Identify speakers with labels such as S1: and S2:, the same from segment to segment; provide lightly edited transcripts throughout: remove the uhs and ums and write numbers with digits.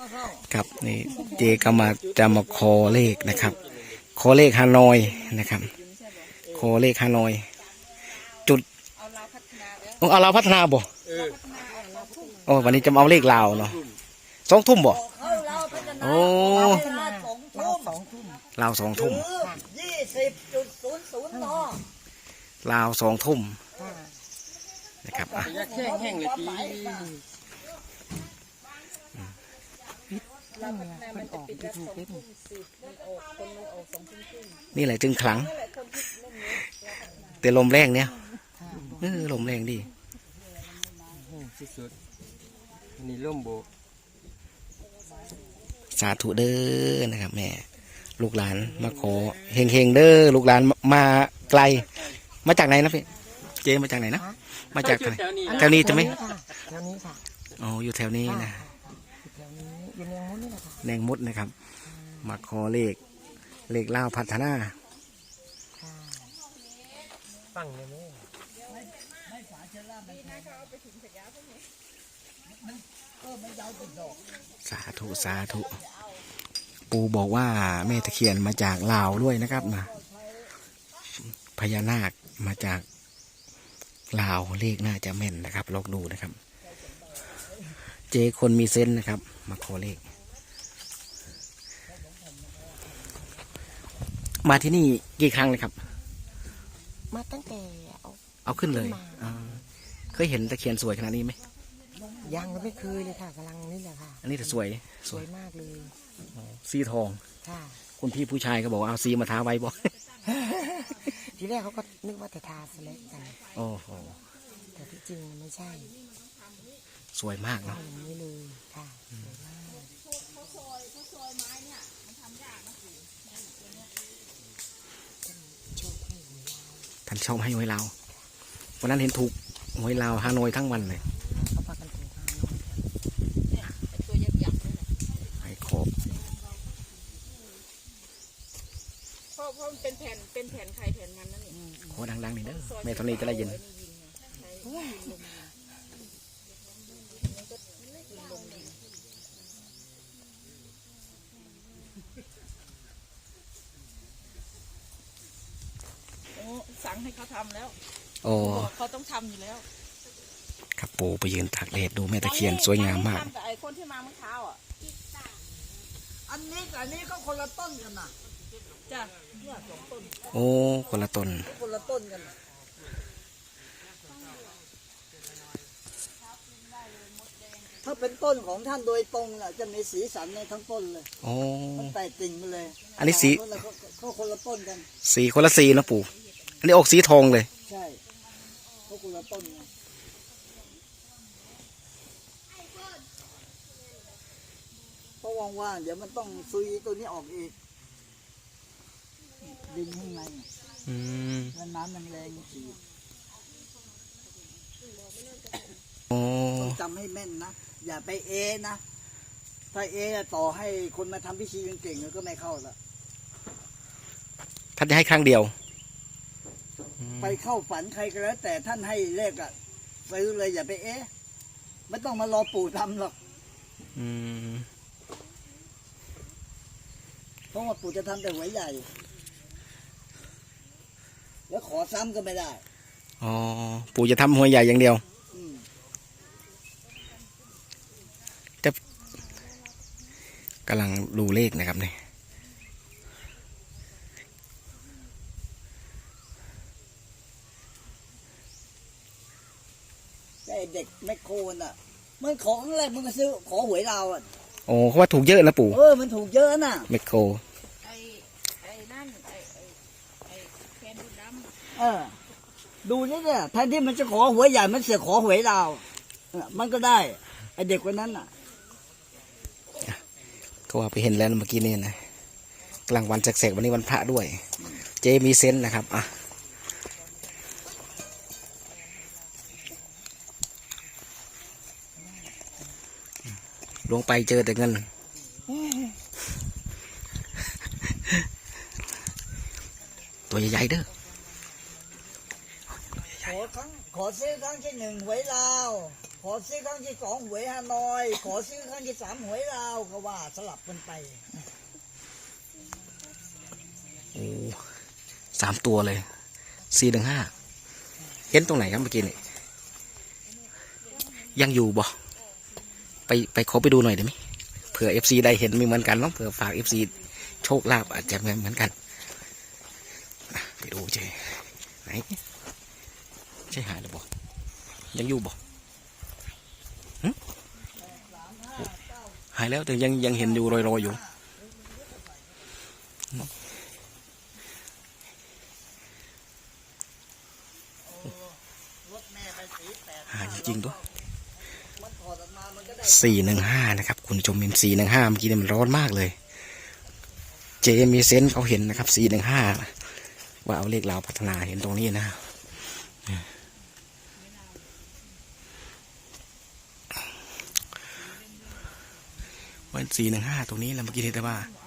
S1: ครับนี่เจก็จะมาขอเลขนะครับขอเลขฮานอยนะครับขอเลขฮานอยจุดเอาเราพัฒนาบ่โอ้วันนี้จะเอาเลขลาวเนาะ2 ทุ่มบ่โอ้ลาว2 ทุ่ม
S2: 20.00 น.
S1: ลาว2 ทุ่มนะครับอ่ะ
S3: แห้งเลยจี
S1: นี่แหละจึงขลังแต่ลมแรงเนี่ยลมแรงดี
S3: สุดๆนี่ร่มโบ
S1: สาธุเด้อนะครับแม่ลูกหลานมาขอเฮงๆเด้อลูกหลานมาไกลมาจากไหนนะพี่เจมาจากไหนนะมาจากไหนแถวนี้จะไหม
S2: แถวนี้ค่ะ
S1: อ๋ออยู่แถวนี้นะ
S2: แถวนี้อยู่แนงมุดนี่แหละค่ะ
S1: แนงมุดนะครับมาขอเลขลาวพัฒนา
S3: ฟังเลยไหม
S1: สาธุปู่บอกว่าแม่ตะเคียนมาจากลาวด้วยนะครับนะพญานาคมาจากลาวเลขน่าจะแม่นนะครับลองดูนะครับเจคนมีเซนส์นะครับมาขอเลขมาที่นี่กี่ครั้งเลยครับ
S2: มาตั้งแต่
S1: เอาขึ้นเลยเคยเห็นตะเคียนสวยขนาดนี้ไหม
S2: ยังไม่เคยเลยค่ะกำลังนี่แหละค่ะ
S1: อันนี้แต่สวย
S2: มากเลย
S1: สีทอง
S2: ค่ะ
S1: คุณพี่ผู้ชายก็บอกเอาสีมาทาไว้บอก
S2: ทีแรกเขาก็นึกว่าแต่ทาสเล็กกัน
S1: โอ้โห
S2: แต่ที่จริงไม่ใช่
S1: สวยมากเนาะ
S2: อย่างนี้เลยค่ะ
S1: ท่านชอบให้หวยลาววันนั้นเห็นถูกหวยลาวฮานอยทั้งวันเลยให้ครบ
S4: เพราะมันเป็นแผ่นใครแผ่นมันนั่นเอง
S1: โคดังๆนี่เด้อแม่ตอนนี้จะได้ยิน
S4: สั่งให้เขาทำแล้ว
S1: โอ้
S4: เขาต้องทำอยู่แล้ว
S1: ครับปู่ไปยืนตากแดดดูแม่ตะเคียนสวยงามมาก
S4: แต่ไอ้คนที่มาเมื่อเช้าอ่ะ
S2: อันนี้ก็คนละต้นกันนะ
S4: จ้ะ
S1: ต้นโอ้คนละต้น
S2: กันถ้าเป็นต้นของท่านโดยตรงน่ะจะมีสีสันในทั้งต้นเลย
S1: โอ้
S2: มันแตกติ่งมาเลย
S1: อันนี้สี
S2: ก็คนละต้นกัน
S1: สีคนละสีนะปู่อันนี้ออกสีทองเลย
S2: ใช่ก็คนละต้นเพราะว่างๆเดี๋ยวมันต้องซุยตัวนี้ออกอีกดินข้างในแล้วน้ำแรงๆฉีดต้องจำให้แม่นนะอย่าไปนะถ้าต่อให้คนมาทำพิธีเก่งๆก็ไม่เข้าละ
S1: ท่านจะให้ครั้งเดียว
S2: ไปเข้าฝันใครก็แล้วแต่ท่านให้เลขอะซื้อเลยอย่าไปไม่ต้องมารอปู่ทำหรอกเพราะว่าปู่จะทำแต่หวยใหญ่แล้วขอซ้ำก็ไม่ได้
S1: อ๋อปู่จะทำหวยใหญ่อย่างเดียวจะกำลังดูเลขนะครับเนี่ย
S2: เด็กแมคโครน่ะมันของอะไรมันก็ซื้อขอหวยเราอ่ะ
S1: โอ้เขาว่าถูกเยอะนะปู่
S2: มันถูกเยอะน่ะ
S1: แมคโคร
S4: ไอ้นั่นไอ้แฟนบุญด
S2: ำดูนี่เนี่ยแทนที่มันจะขอหวยใหญ่มันเสือขอหวยเรามันก็ได้ไอเด็กคนนั้นน่ะ
S1: ก็ว่าไปเห็นแล้วเมื่อกี้นี่นะกลางวันแสกๆวันนี้วันพระด้วยเจมีเซนส์นะครับอ่ะลงไปเจอแต่เงินตัวใหญ่ๆเด้อ
S2: ขอซื้อครั้งที่ 1หวยลาวขอซื้อครั้งที่ 2หวยฮานอย ขอซื้อครั้งที่ 3หวยลาวก็ว่าสลับกันไป
S1: โอ้3 ตัวเลย415เห็นตรงไหนครับเมื่อกี้นี่ยังอยู่บ่ไปขอไปดูหน่อยได้ไหมเผื่อ FC ได้เห็นไม่เหมือนกันเนาะเผื่อฝาก FC โชคลาภอาจจะเหมือนกันไปดูเจไหนใช่หายหรือบ่ยังอยู่บ่หึหายแล้วแต่ยังเห็นอยู่รอยๆอยู่หายจริงๆด้วย415นะครับคุณผู้ชมเห็น415เมื่อกี้เนี่ยมันร้อนมากเลยเจมีเซนส์เขาเห็นนะครับ415ว่าเอาเลขเราพัฒนาเห็นตรงนี้นะวัน415ตรงนี้แหละเมื่อกี้นี้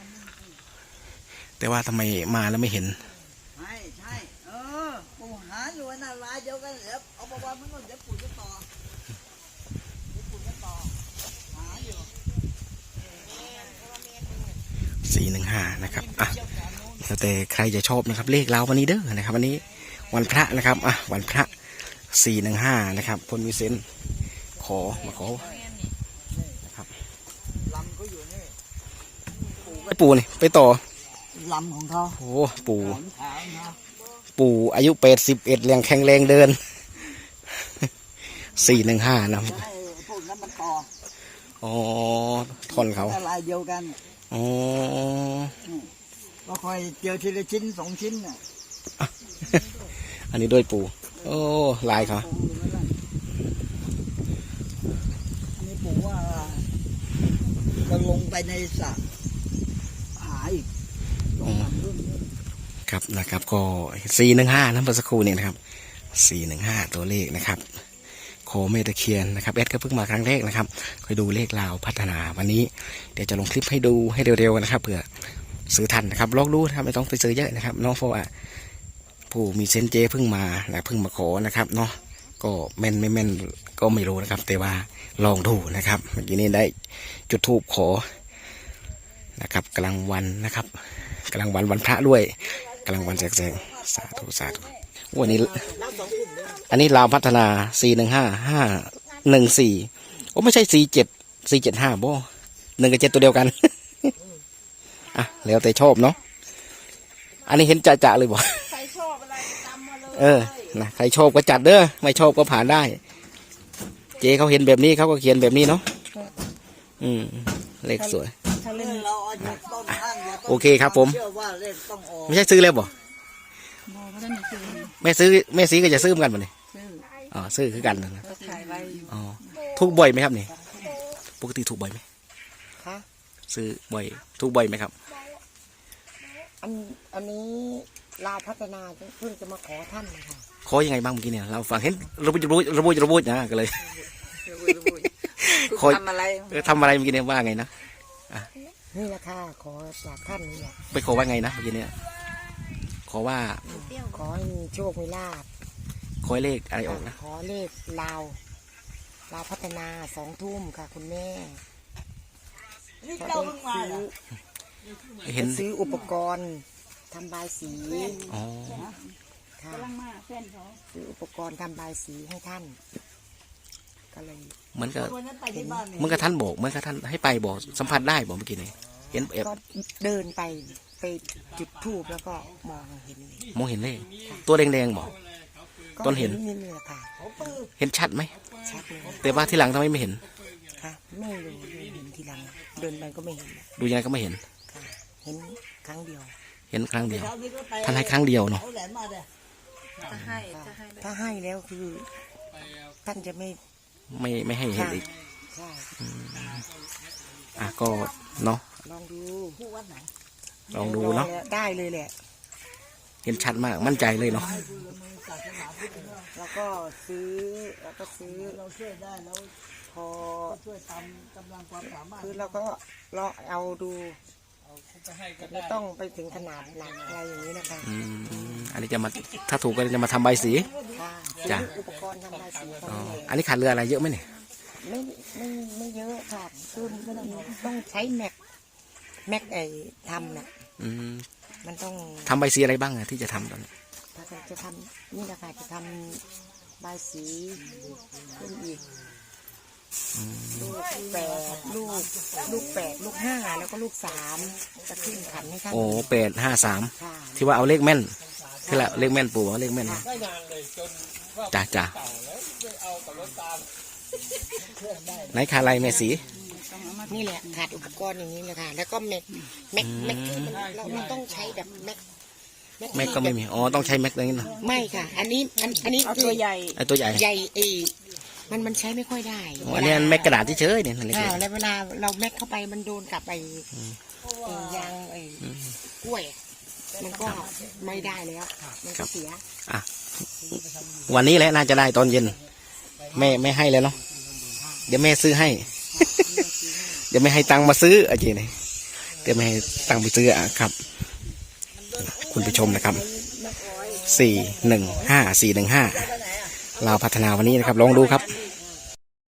S1: แต่ว่าทำไมมาแล้วไม่เห็น
S2: ใช่ปู่หาอยู่น่ะลายเดียวกันเดี๋ยวเอาประวัติมันก่อนเดี๋ยวปู่จะต่อหาอยู่
S1: 415นะครับอ่ะแล้วแต่ใครจะชอบนะครับเลขเราวันนี้เด้อนะครับวันนี้วันพระนะครับอ่ะวันพระ415นะครับคนมีเซนมาขอนะครับ
S2: ลำก็อยู่นี่
S1: ปู่นี่ไปต่อ
S2: ลำของเขา
S1: โอ้ปู่
S2: ขนขาวนะ
S1: ปู่อายุ81ยังแข็งแรงเดิน415นะ
S2: จะให้พวกนั้นมันต่อ
S1: อ๋อท่อนเขา
S2: ลายเดียวกัน
S1: อ๋อ
S2: ก็คอยเจอทีละชิ้น2 ชิ้นน่ะ
S1: อันนี้ด้วยปู่โอ้ลายเขา
S2: อันนี้ปู่ว่าจะลงไปในสระหาอีกลงมารุ่น
S1: ครับนะครับก็415นะเมื่อสักครู่เนี่ยนะครับ415ตัวเลขนะครับโคเมตะเคียนนะครับแอดก็เพิ่งมาครั้งแรกนะครับคอยดูเลขลาวพัฒนาวันนี้เดี๋ยวจะลงคลิปให้ดูให้เร็วๆนะครับเผื่อซื้อทันนะครับลองดูนะครับไม่ต้องไปซื้อเยอะนะครับเนาะเพราะว่าผู้มีเซนเจเพิ่งมาเพิ่งมาขอนะครับเนาะก็แม่นไม่แม่นก็ไม่รู้นะครับแต่ว่าลองดูนะครับเมื่อกี้นี้ได้จุดธูปขอนะครับกลางวันนะครับกลางวันพระด้วยกลางวันแสงสาธุวันนี้อันนี้ลาวพัฒนา415 514โอ้ไม่ใช่475บ่1 กับ 7ตัวเดียวกัน อ่ะแล้วแต่ชอบเนาะอันนี้เห็นจะเลยบ่
S4: ใครชอบอะไรตามมาเลย
S1: นะใครชอบก็จัดเด้อไม่ชอบก็ผ่านได้เจเขาเห็นแบบนี้เขาก็เขียนแบบนี้เนาะเลขสวย
S2: ถ้าเล่นเราเอาจากต้นข้างอย่าต้น
S1: โอเคครับผม
S2: เชื่อว่าเลขต้องออก
S1: ไม่ใช่ซื้อแล้วบ่แม่ซื้อก็จะซื้อเหมือนกันบ่เนี่ยอ๋อซื้อคือกันนะ
S4: ถ่ายไว้
S1: อ๋อถูกบ่อยไหมครับนี่ปกติถูกบ่อยไหม
S3: คะ
S1: ซื้อบ่อยถูกบ่อยไหมครับ
S3: อันนี้ลาวพัฒนาเพิ่งจะมาขอท่านนะคะ
S1: ขอยังไงบ้างเมื่อกี้เนี่ยเราฟังเห็นระบุนะก็เลยขอ
S4: ทำอะไร
S1: ทำอะไรเมื่อกี้เนี่ยว่าไงนะ
S3: นี่แหละค่ะขอจากท่านนี่แหละ
S1: ไปขอว่าไงนะเมื่อกี้เนี่ยขอว่า
S3: ขอให้มีโชคมีลาภ
S1: ขอให้เลขอะไรออกนะ
S3: ขอเลขลาวพัฒนา2 ทุ่มค่ะคุณแม่
S2: นี่เจ้าเพิ่งมาเหรอ
S1: เห็น
S3: ซื้ออุปกรณ์ทำบายสี
S1: อ๋อ
S3: ค่ะ
S4: กำลังมาแฟนเขา
S3: ซื้ออุปกรณ์ทำบายสีให้ท่านก็เลย
S1: เหมือนกับ
S2: วันนั้นไปที่บ้านเนี่ย
S1: เหมือนกับท่านบอกเหมือนกับท่านให้ไปบอกสัมผัสได้บอกเมื่อกี้เนี่ยเห็นแอบ
S3: ก็เดินไปจุดธูปแล้วก็มองเห็นเลย
S1: มองเห็นเลขตัวแดงๆบอก ต้นเห็น
S3: นี่แหละค่ะ
S1: เห็นชัดไหม
S3: ชัดเลย
S1: แต่ว่าที่หลังทำไมไม่เห็น
S3: ค่ะไม่รู้เห็นทีหลังเดินไปก็ไม่เห็น
S1: ดูยังไงก็ไม่เห็น
S3: ค่ะเห็นครั้งเดียว
S1: เห็นครั้งเดียว
S2: เช้านี้ก็ไป
S1: ท่านให้ครั้งเดียวเนาะ
S2: เอาแหลมมาเด้อ
S4: จะให้
S3: ถ้าให้แล้วคือท่านจะไม่
S1: ไม่ให้เห็นอีก
S3: ใช่
S1: อ่ะก็เนาะ
S3: ลองดู
S2: ผู้วัดไหน
S1: ลองดูเนาะ
S3: ได้เลยแหละ
S1: เห็นชัดมากมั่นใจเลยเนาะ
S3: แล้วก็ซื้อ
S2: เราช่วยได้แล้ว
S3: พอ
S2: ช่วยตามกำลังความสามารถ
S3: คือเราก็ลองเอาดูแต่ไม่ต้องไปถึงขนาดหนักอะไรอย่างนี้นะคะ
S1: อันนี้จะมาถ้าถูกก็จะมาทำใบสี
S3: ค่ะ
S1: จ้ะ
S3: อุปกรณ์ทำบายสี
S1: อ๋ออันนี้ขาดเรืออะไรเยอะไหมเนี่ย
S3: ไม่ไม่เยอะค่ะคือมันต้องใช้แม็กไอ้ทำน่ะ
S1: อืม
S3: มันต้อง
S1: ทำใบสีอะไรบ้างอะที่จะทำตอนนี้
S3: ถ้าจะทำนี่แหละค่ะจะทำใบสีขึ้นอีกลูกแปดลูก5แล้วก็ลูก3จะขึ้นขันให้ท่าน
S1: โอ้853
S3: ค่ะ
S1: ที่ว่าเอาเลขแม่นคือละเลขแม่นปู่ว่าเลขแม่นนะจ้าไหนขาลายแม่สี
S3: นี่แหละขาดอุปกรณ์อย่างนี้เลยค่ะ แล้วก็แม็กที่เราต้องใช้แบบแม็ก
S1: แม็กก็ไม่มีอ๋อต้องใช้แม็กอะไรนี่เนาะ
S3: ไม่ค่ะ อันนี้
S4: เอาตัวใหญ่
S1: ไอตัวใหญ่
S3: ใหญ่มันใช้ไม่ค่อยได้
S1: อ๋ออันนี้แม็กกระดาษเฉยๆเนี่ยนั่นเล็ก
S3: แล้วเวลาเราแม็กเข้าไปมันโดนกับไอ้ยางกล้วย มันก็ไม่ได้แล้วมันก็เสีย
S1: ๆอ่ะวันนี้แหละน่าจะได้ตอนเย็นแม่ให้เลยเนาะเดี๋ยวแม่ซื้อให้ เดี๋ยวไม่ให้ตังค์มาซื้ออาจารย์นี่เดี๋ยวไม่ให้ตังค์ไปซื้ออ่ะครับ คุณผู้ชมนะครับ415ลาวพัฒนาวันนี้นะครับลองดูครับ